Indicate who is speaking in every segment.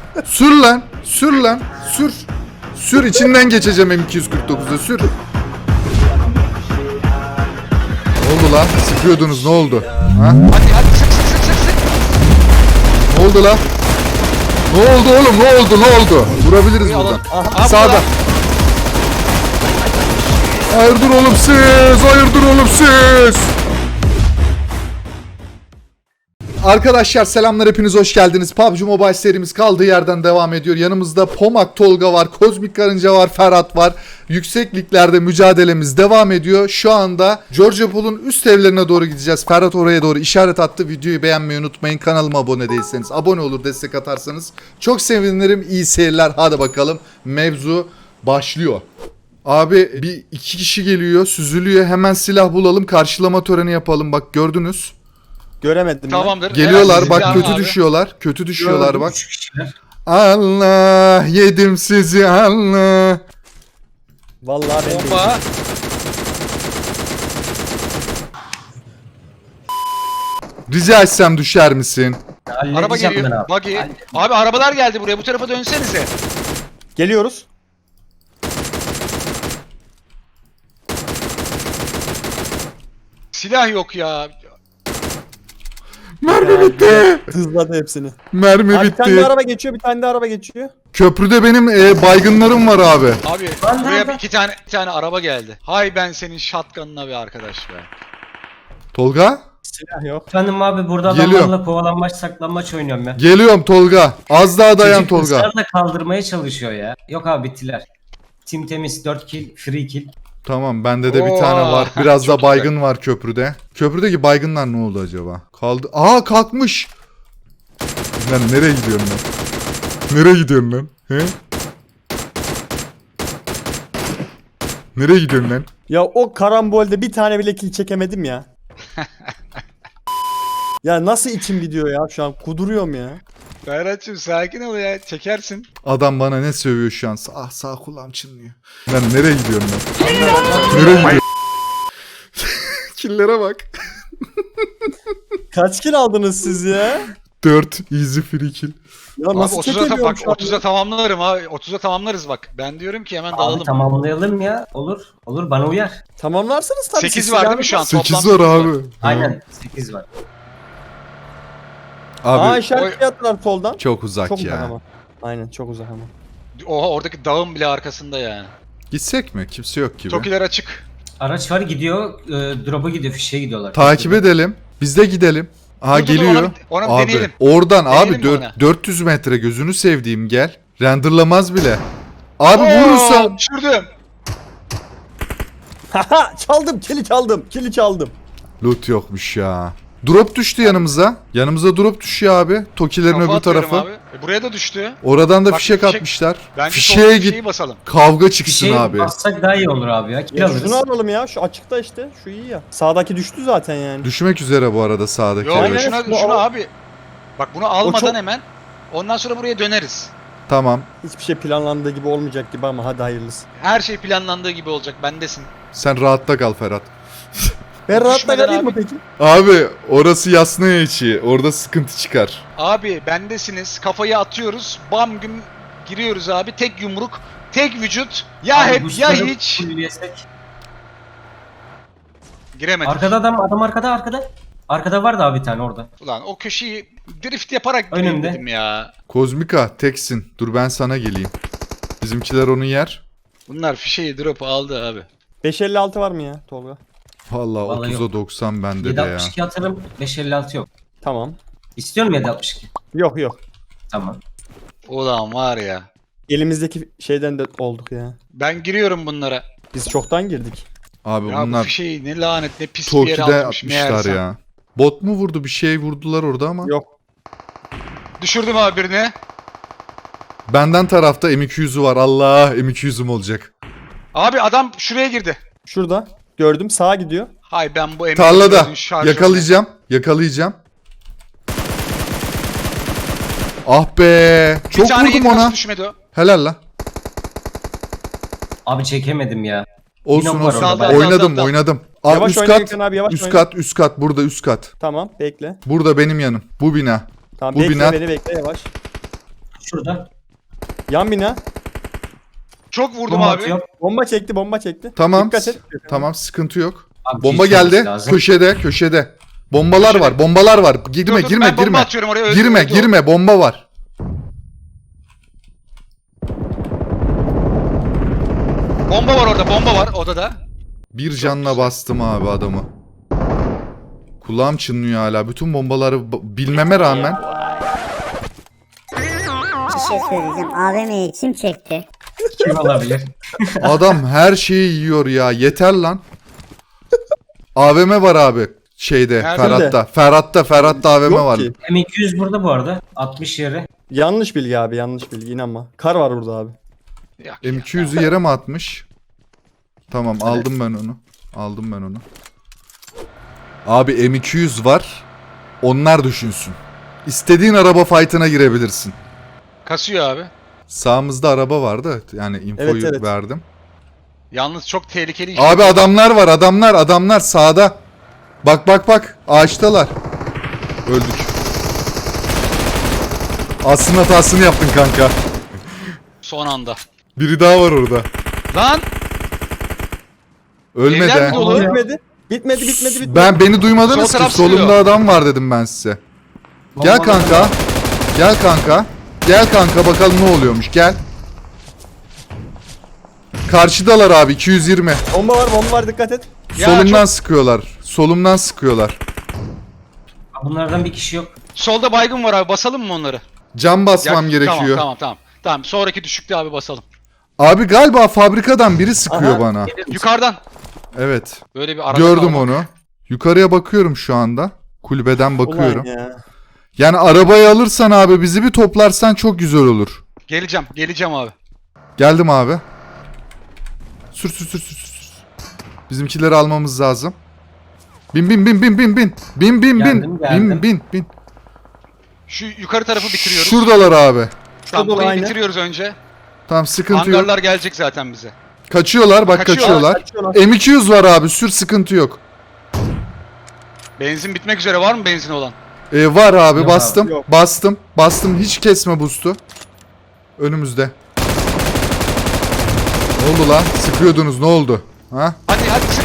Speaker 1: Sür lan. Sür lan. Sür. Sür, içinden geçeceğim M249'da, sür. Ne oldu lan? Sıkıyordunuz, ne oldu? Ha?
Speaker 2: Hadi sık.
Speaker 1: Ne oldu lan? Ne oldu oğlum? Ne oldu? Ne oldu? Vurabiliriz buradan.
Speaker 2: Aha,
Speaker 1: Sağda. Hayırdır oğlum siz? Hayırdır oğlum siz? Arkadaşlar selamlar, hepiniz hoş geldiniz. PUBG Mobile serimiz kaldığı yerden devam ediyor. Yanımızda Pomak Tolga var, Kozmik Karınca var, Ferhat var. Yüksek liglerde mücadelemiz devam ediyor. Şu anda Georgia Pool'un üst evlerine doğru gideceğiz. Ferhat oraya doğru işaret attı. Videoyu beğenmeyi unutmayın. Kanalıma abone değilseniz abone olur, destek atarsanız çok sevinirim. İyi seyirler. Hadi bakalım, mevzu başlıyor. Abi bir iki kişi geliyor, süzülüyor. Hemen silah bulalım, karşılama töreni yapalım. Bak gördünüz.
Speaker 3: Göremedim
Speaker 2: Tamamdır.
Speaker 1: Geliyorlar bak,
Speaker 2: Silah
Speaker 1: kötü
Speaker 2: abi.
Speaker 1: düşüyorlar. Kötü düşüyorlar
Speaker 4: Gördüm,
Speaker 1: bak.
Speaker 4: 3 kişiler.
Speaker 1: Allah yedim sizi Allah.
Speaker 3: ben. Vallahi ben değilim.
Speaker 2: Bomba.
Speaker 1: Rica etsem düşer misin?
Speaker 2: Araba
Speaker 4: Halledeceğim ben
Speaker 2: geliyor.
Speaker 4: abi.
Speaker 2: Buggy. Abi arabalar geldi buraya. Bu tarafa dönsenize.
Speaker 3: Geliyoruz.
Speaker 2: Silah yok ya.
Speaker 1: Mermi bitti.
Speaker 3: Hızladı hepsini.
Speaker 1: Mermi
Speaker 3: Abi bir tane de
Speaker 1: bitti.
Speaker 3: araba geçiyor, bir tane de araba geçiyor.
Speaker 1: Köprüde benim baygınlarım var abi.
Speaker 2: Abi
Speaker 4: Lan
Speaker 2: buraya
Speaker 4: nerede?
Speaker 2: iki tane araba geldi. Hay ben senin shotgun'ına bir arkadaş be.
Speaker 1: Tolga?
Speaker 3: Silah yok.
Speaker 4: Efendim abi burada
Speaker 1: Geliyorum.
Speaker 4: adamlarla kovalanmaç saklanmaç oynuyorum ya.
Speaker 1: Geliyorum Tolga. Az daha dayan
Speaker 4: Çocuk
Speaker 1: Tolga.
Speaker 4: ısrarla kaldırmaya çalışıyor ya. Yok abi bittiler. Tim temiz 4 kill, free kill.
Speaker 1: Tamam, bende de bir
Speaker 2: Oo,
Speaker 1: tane var. Biraz da
Speaker 2: çok
Speaker 1: baygın var köprüde. Köprüdeki baygınlar ne oldu acaba? Kaldı. Aa, kalkmış. Lan nereye gidiyorsun lan? Nereye gidiyorsun lan? He? Nereye gidiyorsun lan?
Speaker 3: Ya o karambolde bir tane bile kill çekemedim ya. Ya nasıl içim gidiyor ya şu an, kuduruyorum ya.
Speaker 2: Ferhat'cığım sakin ol ya. Çekersin.
Speaker 1: Adam bana ne sövüyor şu an? Sağ kulağım çınlıyor. Lan nereye gidiyorsun lan? Nereye gidiyorsun? Killere bak.
Speaker 3: Kaç kill aldınız siz ya?
Speaker 1: 4 easy free kill.
Speaker 3: Ya
Speaker 2: Abi
Speaker 3: nasıl
Speaker 2: 30'a
Speaker 3: çekemiyorum
Speaker 2: bak
Speaker 3: şu an?
Speaker 2: 30'a tamamlarım abi. 30'a tamamlarız bak. Ben diyorum ki hemen
Speaker 4: Abi
Speaker 2: dalalım.
Speaker 4: tamamlayalım ya. Olur. Olur bana uyar.
Speaker 3: Tamamlarsınız tabii.
Speaker 2: 8
Speaker 3: siz
Speaker 2: var değil
Speaker 3: silahı-
Speaker 2: mi şu an?
Speaker 1: 8
Speaker 2: Toplam
Speaker 1: var
Speaker 2: sekiz
Speaker 1: abi.
Speaker 4: Aynen 8 var.
Speaker 1: Abi
Speaker 3: Aa, işaret attılar soldan.
Speaker 1: çok uzak
Speaker 3: Çok
Speaker 1: ya.
Speaker 3: uzak ama. Aynen, çok uzak ama.
Speaker 2: Oha oradaki dağın bile arkasında yani.
Speaker 1: Gitsek mi? Kimse yok gibi.
Speaker 2: Tokiler açık.
Speaker 4: Araç var gidiyor. Drop'a gidiyor. Fişeye gidiyorlar.
Speaker 1: Takip edelim. Biz de gidelim. Aha
Speaker 2: Dur, dur,
Speaker 1: geliyor.
Speaker 2: ona bir
Speaker 1: Abi
Speaker 2: deneyelim.
Speaker 1: oradan
Speaker 2: Deneyelim
Speaker 1: abi
Speaker 2: mi ona?
Speaker 1: 400 metre, gözünü sevdiğim, gel. Renderlamaz bile. Abi
Speaker 2: Oo,
Speaker 1: vurursan.
Speaker 2: düşürdüm.
Speaker 3: Haha, çaldım, kili çaldım.
Speaker 1: Loot yokmuş ya. Drop düştü yanımıza. Yanımıza drop düşüyor abi. Tokilerin
Speaker 2: Kafa
Speaker 1: öbür
Speaker 2: atıyorum
Speaker 1: tarafı.
Speaker 2: abi. Buraya da düştü.
Speaker 1: Oradan da
Speaker 2: Bak,
Speaker 1: fişek
Speaker 2: fişek-
Speaker 1: atmışlar.
Speaker 2: Bence
Speaker 1: Fişeğe
Speaker 2: git.
Speaker 1: git.
Speaker 2: Basalım.
Speaker 1: Kavga çıksın
Speaker 4: Fişeye
Speaker 1: abi.
Speaker 4: bassak daha iyi olur abi ya. Kill
Speaker 3: Ya
Speaker 4: alırız.
Speaker 3: şunu alalım ya, şu açıkta işte, şu iyi ya. Sağdaki düştü zaten yani.
Speaker 1: Düşmek üzere bu arada sağdaki.
Speaker 2: Yok
Speaker 3: Aynen,
Speaker 1: ev.
Speaker 2: şuna,
Speaker 3: şunu
Speaker 2: şunu
Speaker 3: al.
Speaker 2: abi. Bak bunu almadan
Speaker 3: çok-
Speaker 2: hemen. Ondan sonra buraya döneriz.
Speaker 1: Tamam.
Speaker 3: Hiçbir şey planlandığı gibi olmayacak gibi ama hadi hayırlısı.
Speaker 2: Her şey planlandığı gibi olacak. Bendesin.
Speaker 1: Sen rahatta kal Ferhat.
Speaker 3: Ben rahatla
Speaker 2: Düşmeden
Speaker 3: kalayım mı
Speaker 2: abi.
Speaker 3: peki?
Speaker 1: Abi orası Yasnaya içi. Orada sıkıntı çıkar.
Speaker 2: Abi bendesiniz. Kafayı atıyoruz. Bam güm giriyoruz abi. Tek yumruk. Tek vücut. Ya
Speaker 4: Abi
Speaker 2: hep ya
Speaker 4: boostları
Speaker 2: hiç.
Speaker 4: fulllesek.
Speaker 2: Giremedik.
Speaker 4: Arkada adam arkada. Arkada var da bir tane orada.
Speaker 2: Ulan o köşeyi drift yaparak gireyim
Speaker 4: Önümde.
Speaker 2: dedim ya.
Speaker 1: Kozmika teksin. Dur ben sana geleyim. Bizimkiler onu yer.
Speaker 2: Bunlar fişeyi drop aldı abi.
Speaker 3: 556 var mı ya Tolga?
Speaker 1: Vallahi
Speaker 4: Vallahi
Speaker 1: 30'a 90 bende de ya.
Speaker 4: 762 atarım. 556 yok.
Speaker 3: Tamam.
Speaker 4: İstiyorum 762.
Speaker 3: Yok.
Speaker 4: Tamam.
Speaker 2: Ulan var ya.
Speaker 3: Elimizdeki şeyden de olduk ya.
Speaker 2: Ben giriyorum bunlara.
Speaker 3: Biz çoktan girdik.
Speaker 1: Abi
Speaker 2: Ya bu
Speaker 1: bunlar
Speaker 2: fişeyi ne lanet ne pis bir yere
Speaker 1: Toki'de
Speaker 2: atmış
Speaker 1: atmışlar
Speaker 2: meğersem.
Speaker 1: ya. Bot mu vurdu? Bir şey vurdular orada ama.
Speaker 3: Yok.
Speaker 2: Düşürdüm abi birini.
Speaker 1: Benden tarafta M200'ü var. Allah, M200'üm olacak.
Speaker 2: Abi adam şuraya girdi.
Speaker 3: Şurada. Gördüm, sağa gidiyor.
Speaker 2: Hay ben bu
Speaker 1: Tarlada.
Speaker 2: M4'ün şarjörünü-
Speaker 1: Yakalayacağım. Ah be.
Speaker 2: Bir
Speaker 1: Çok
Speaker 2: tane
Speaker 1: vurdum
Speaker 2: yedi, nasıl
Speaker 1: ona.
Speaker 2: düşmedi o?
Speaker 1: Helal la.
Speaker 4: Abi çekemedim ya.
Speaker 1: Olsun
Speaker 4: Yine var
Speaker 1: olsun.
Speaker 4: orada,
Speaker 2: ben-
Speaker 1: Oynadım.
Speaker 2: Dal.
Speaker 1: Abi
Speaker 3: Yavaş
Speaker 1: üst
Speaker 3: oyna
Speaker 1: kat.
Speaker 3: Gökhan abi, yavaş
Speaker 1: Üst
Speaker 3: oyna.
Speaker 1: kat, üst kat. Burada üst kat.
Speaker 3: Tamam, bekle.
Speaker 1: Burada benim yanım. Bu bina.
Speaker 3: Tamam,
Speaker 1: Bu
Speaker 3: bekle
Speaker 1: bina-
Speaker 3: beni, bekle yavaş.
Speaker 4: şurada.
Speaker 3: Yan bina.
Speaker 2: Çok vurdum
Speaker 4: Bomba
Speaker 2: abi.
Speaker 4: atıyor.
Speaker 3: Bomba çekti, bomba çekti.
Speaker 1: Tamam.
Speaker 3: Dikkat et.
Speaker 1: Tamam, sıkıntı yok.
Speaker 4: Abi,
Speaker 1: Bomba
Speaker 4: şey olması
Speaker 1: geldi.
Speaker 4: lazım.
Speaker 1: Köşede. Bombalar
Speaker 2: Köşede.
Speaker 1: var. Bombalar var.
Speaker 2: Dur,
Speaker 1: Girme,
Speaker 2: dur,
Speaker 1: girme,
Speaker 2: ben bomba
Speaker 1: girme.
Speaker 2: atıyorum oraya. Öldü,
Speaker 1: Girme,
Speaker 2: öldü o.
Speaker 1: girme. Bomba var.
Speaker 2: Bomba var orada, bomba var odada.
Speaker 1: Bir canla bastım abi adamı. Kulağım çınlıyor hala. Bütün bombaları bilmeme rağmen.
Speaker 5: Bir şey söyleyeceğim. AVM'yi kim çekti?
Speaker 4: Kim olabilir?
Speaker 1: Adam her şeyi yiyor ya. Yeter lan. AVM var abi. Şeyde,
Speaker 2: Nerede?
Speaker 1: Ferhat'ta AVM
Speaker 3: Yok
Speaker 1: var.
Speaker 3: ki.
Speaker 4: M200 burada bu arada. 60 yere.
Speaker 3: Yanlış bilgi abi, yanlış bilgi, inanma. Kar var burada abi.
Speaker 2: Ya,
Speaker 1: M200'ü yere mi atmış? Tamam, aldım ben onu. Abi M200 var. Onlar düşünsün. İstediğin araba fight'ına girebilirsin.
Speaker 2: kasıyor abi.
Speaker 1: Sağımızda araba vardı. Yani infoyu
Speaker 3: Evet.
Speaker 1: verdim.
Speaker 2: Yalnız çok tehlikeli iş.
Speaker 1: Abi adamlar var, adamlar sağda. Bak. Ağaçtalar. Öldük. Aslında hatasını yaptın kanka.
Speaker 2: Son anda.
Speaker 1: Biri daha var orada.
Speaker 2: Lan!
Speaker 1: Ölmedi.
Speaker 2: Evler mi
Speaker 1: ha.
Speaker 2: dolu?
Speaker 3: Bitmedi.
Speaker 1: Beni duymadınız
Speaker 2: Sol
Speaker 1: ki.
Speaker 2: taraf
Speaker 1: Solumda
Speaker 2: sıkıyor.
Speaker 1: adam var dedim ben size. Gel
Speaker 4: Bombalar
Speaker 1: kanka.
Speaker 4: var.
Speaker 1: Gel kanka bakalım ne oluyormuş. Gel. Karşıdalar abi 220.
Speaker 3: Bomba var, dikkat et.
Speaker 2: Ya
Speaker 1: Solumdan
Speaker 2: çok-
Speaker 1: sıkıyorlar. Solumdan sıkıyorlar.
Speaker 4: Bunlardan bir kişi yok.
Speaker 2: Solda baygın var abi, basalım mı onları?
Speaker 1: Cam basmam
Speaker 2: Ya,
Speaker 1: gerekiyor.
Speaker 2: Tamam. Sonraki düşükte abi basalım.
Speaker 1: Abi galiba fabrikadan biri sıkıyor
Speaker 3: Aha.
Speaker 1: bana.
Speaker 2: Yukarıdan.
Speaker 1: Evet.
Speaker 2: Böyle bir arada
Speaker 1: Gördüm
Speaker 2: kalmak.
Speaker 1: onu. Yukarıya bakıyorum şu anda. Kulübeden bakıyorum.
Speaker 3: Ulan ya.
Speaker 1: Yani arabayı alırsan abi bizi bir toplarsan çok güzel olur.
Speaker 2: Geleceğim abi.
Speaker 1: Geldim abi. Sür. Bizimkileri almamız lazım. Bin.
Speaker 4: Geldim.
Speaker 2: Şu yukarı tarafı bitiriyoruz.
Speaker 1: Şuradalar abi.
Speaker 2: Tamam,
Speaker 3: Şurada
Speaker 2: burayı
Speaker 3: aynı.
Speaker 2: bitiriyoruz önce.
Speaker 1: Tamam, sıkıntı yok.
Speaker 2: Hangarlar gelecek zaten bize.
Speaker 1: Kaçıyorlar, bak
Speaker 2: Kaçıyorlar.
Speaker 1: kaçıyorlar. M200 var abi, sür, sıkıntı yok.
Speaker 2: Benzin bitmek üzere, var mı benzin olan?
Speaker 1: Var abi,
Speaker 4: Yok
Speaker 1: bastım.
Speaker 3: abi, yok.
Speaker 1: Bastım. Hiç kesme boost'u. Önümüzde. Ne oldu lan? Sıkıyordunuz, ne oldu? Ha?
Speaker 2: Hadi sık.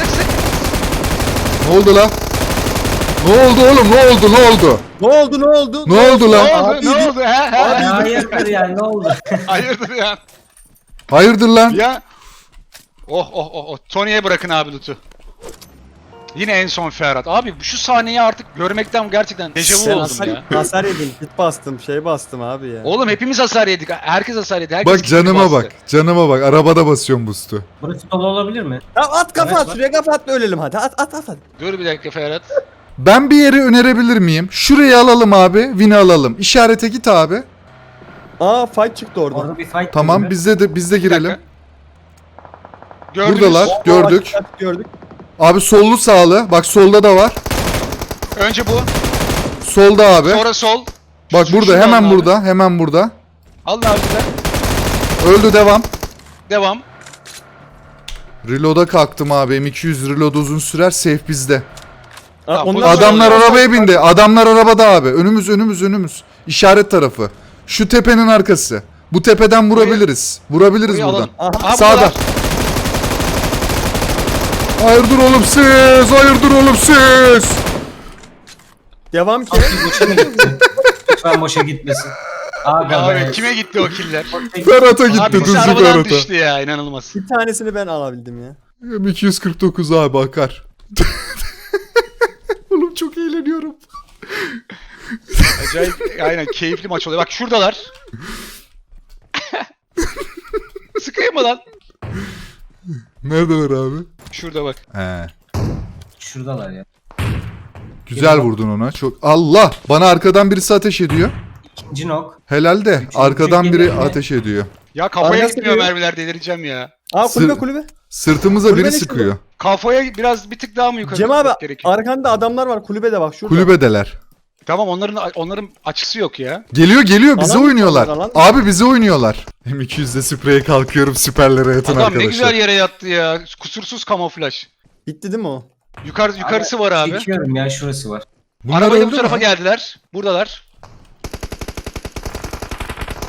Speaker 1: Ne oldu lan? Ne oldu oğlum? Ne oldu?
Speaker 3: Ne oldu?
Speaker 1: Ne oldu lan?
Speaker 2: Ne oldu? He?
Speaker 4: Hayırdır yani, ne oldu?
Speaker 2: Hayırdır ya?
Speaker 1: Hayırdır lan?
Speaker 2: Ya. Oh. Tony'ye bırakın abi loot'u. Yine en son Ferhat. Abi şu sahneyi artık görmekten gerçekten dejavu
Speaker 3: Sen
Speaker 2: oldum ya.
Speaker 3: hasar yedin, hit bastım, bastım abi ya.
Speaker 2: Oğlum hepimiz hasar yedik. Herkes hasar yedi. Herkes
Speaker 1: Bak canıma bak. Arabada basıyorum boost'u.
Speaker 4: Burası dolu olabilir mi?
Speaker 3: Ya at kafa
Speaker 4: Evet,
Speaker 3: at, şuraya kafa at da ölelim hadi. At hadi.
Speaker 2: Dur bir dakika Ferhat.
Speaker 1: Ben bir yeri önerebilir miyim? Şurayı alalım abi. Win'i alalım. İşarete git abi.
Speaker 3: Aa, fight çıktı orada.
Speaker 4: Orada bir fight
Speaker 1: Tamam,
Speaker 4: gibi.
Speaker 1: biz de
Speaker 2: Bir
Speaker 1: girelim.
Speaker 2: dakika. Gördünüz.
Speaker 1: Buradalar. Gördük.
Speaker 3: Gördük.
Speaker 1: Abi sollu sağlı. Bak solda da var.
Speaker 2: Önce bu.
Speaker 1: Solda abi.
Speaker 2: Sonra sol.
Speaker 1: Bak burada,
Speaker 2: Şuradan
Speaker 1: hemen
Speaker 2: abi.
Speaker 1: burada. Hemen burada.
Speaker 2: Allah aşkına.
Speaker 1: Öldü, devam.
Speaker 2: Devam.
Speaker 1: Reload'a kalktım abi. M200 reload uzun sürer. Safe bizde.
Speaker 2: Tamam,
Speaker 3: Onlar
Speaker 2: bundan sonra-
Speaker 1: Adamlar arabaya bindi. Adamlar arabada abi. Önümüz. İşaret tarafı. Şu tepenin arkası. Bu tepeden vurabiliriz. Vurabiliriz
Speaker 2: Burayı
Speaker 1: buradan.
Speaker 2: alalım.
Speaker 3: Aha.
Speaker 2: Aha,
Speaker 1: Sağda.
Speaker 2: bunlar.
Speaker 1: Hayırdır oğlum siz.
Speaker 3: Devam ki.
Speaker 4: Boşa mı gitti? Lütfen boşa gitmesin. Aga
Speaker 2: Abi
Speaker 4: be.
Speaker 2: kime gitti o killer?
Speaker 1: Ferhat'a gitti.
Speaker 2: Abi birisi
Speaker 1: Düzlük
Speaker 2: arabadan
Speaker 1: Ferhat'a.
Speaker 2: düştü ya, inanılmaz.
Speaker 3: Bir tanesini ben alabildim ya.
Speaker 1: M249 abi akar. Oğlum çok eğleniyorum.
Speaker 2: Acayip, aynen keyifli maç oluyor. Bak şuradalar. Sıkayım mı lan?
Speaker 1: Neredeler abi?
Speaker 2: Şurada bak.
Speaker 1: He.
Speaker 4: Şuradalar ya.
Speaker 1: Güzel vurdun ona. Çok Allah! Bana arkadan birisi ateş ediyor.
Speaker 4: İkinci nok.
Speaker 1: Helal de.
Speaker 4: Üçüncü
Speaker 1: Arkadan biri
Speaker 4: geliyor mu?
Speaker 1: ateş ediyor.
Speaker 2: Ya kafaya
Speaker 3: Arkası
Speaker 2: gitmiyor
Speaker 3: diyor.
Speaker 2: mermiler, delireceğim ya.
Speaker 3: Aa,
Speaker 1: Sır-
Speaker 3: kulübe.
Speaker 1: Sırtımıza
Speaker 3: Kulübe
Speaker 1: biri
Speaker 3: ne
Speaker 1: sıkıyor.
Speaker 2: Kafaya biraz bir tık daha mı yukarı
Speaker 3: Cem abi,
Speaker 2: gitmek gerekiyor?
Speaker 3: arkanda adamlar var, kulübede bak şurada.
Speaker 1: Kulübedeler.
Speaker 2: Tamam, onların açısı yok ya.
Speaker 1: Geliyor bize
Speaker 3: Alan mı
Speaker 1: oynuyorlar.
Speaker 3: alan mı?
Speaker 1: Abi bize oynuyorlar. M200'de spreye kalkıyorum, süperlere yatın
Speaker 2: Adam
Speaker 1: arkadaşlar.
Speaker 2: ne güzel yere yattı ya. Kusursuz kamuflaj.
Speaker 3: Bitti değil mi o?
Speaker 2: Yukarısı var abi.
Speaker 4: Çekiyorum ya, şurası var.
Speaker 1: Bunlar
Speaker 2: Arabayla
Speaker 1: öldü
Speaker 2: bu tarafa
Speaker 1: mü?
Speaker 2: geldiler. Buradalar.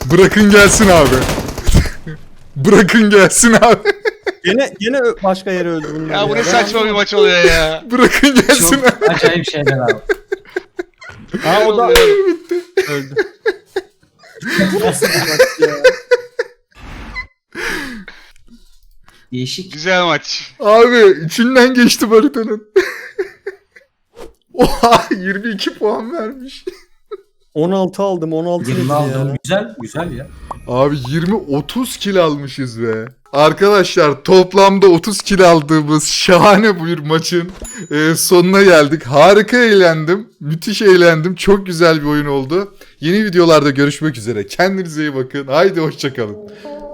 Speaker 1: Bırakın gelsin abi. Bırakın gelsin abi.
Speaker 3: Gene başka yere öldü bunlar.
Speaker 2: Ya bu ne
Speaker 3: Ben
Speaker 2: saçma bir maç oluyor ya.
Speaker 1: Bırakın gelsin abi.
Speaker 4: Çok acayip şeyler abi.
Speaker 3: Ha o da öldü. Nasıl bir maç ya?
Speaker 4: Değişik.
Speaker 2: Güzel maç.
Speaker 1: Abi içinden geçti haritanın. Oha 22 puan vermiş.
Speaker 3: 16 aldım 16
Speaker 4: 20
Speaker 3: dedi
Speaker 4: aldım.
Speaker 3: ya.
Speaker 4: Güzel. Güzel ya.
Speaker 1: Abi 20-30 kill almışız be. Arkadaşlar toplamda 30 kill aldığımız şahane bir maçın sonuna geldik. Harika eğlendim. Müthiş eğlendim. Çok güzel bir oyun oldu. Yeni videolarda görüşmek üzere. Kendinize iyi bakın. Haydi hoşçakalın.